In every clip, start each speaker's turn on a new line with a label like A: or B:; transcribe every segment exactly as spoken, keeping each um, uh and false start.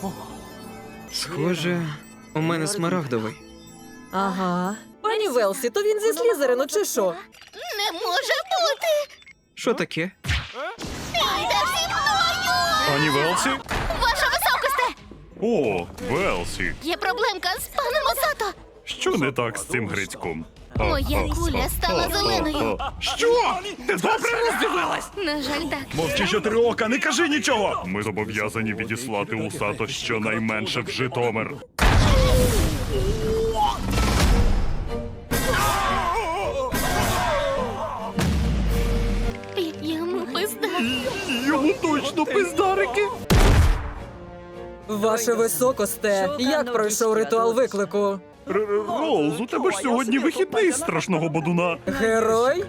A: Схоже, у мене смарагдовий.
B: Ага. Пані Велсі, то він зі Слізерину чи що?
C: Не може бути!
A: Що таке?
C: Йдеш зі мною!
D: Пані Велсі?
C: Ваша високосте!
D: О, Велсі.
C: Є проблемка з паном Осато.
D: Що не так з цим грицьком?
C: Моя куля стала зеленою.
D: Що? Ти добре роздивилась?
C: На жаль, так.
D: Мовчи чотирьока, не кажи нічого! Ми зобов'язані відіслати Усато щонайменше в Житомир.
C: Йому пизда.
D: Йому точно пиздарики!
B: Ваше високосте, як пройшов ритуал виклику?
D: Роуз, у тебе ж сьогодні вихідний з страшного бодуна.
B: Герой?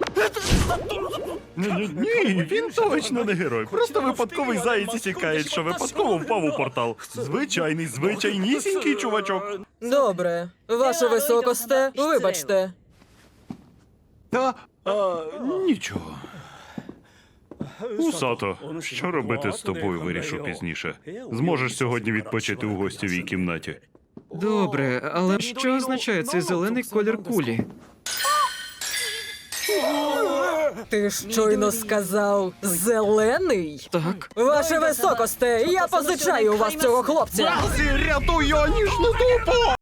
D: Ні, ні, він точно не герой. Просто випадковий заєць і тікає, що випадково впав у портал. Звичайний, звичайнісінький чувачок.
B: Добре. Ваше високосте, вибачте.
D: Та, а, нічого. Усато, що робити з тобою, вирішу пізніше. Зможеш сьогодні відпочити у гостєвій кімнаті.
A: Добре, але що означає цей зелений колір кулі?
B: Ти щойно сказав зелений?
A: Так.
B: Ваше високосте, я позичаю у вас цього хлопця.
D: Рятуй його ніжну дупу!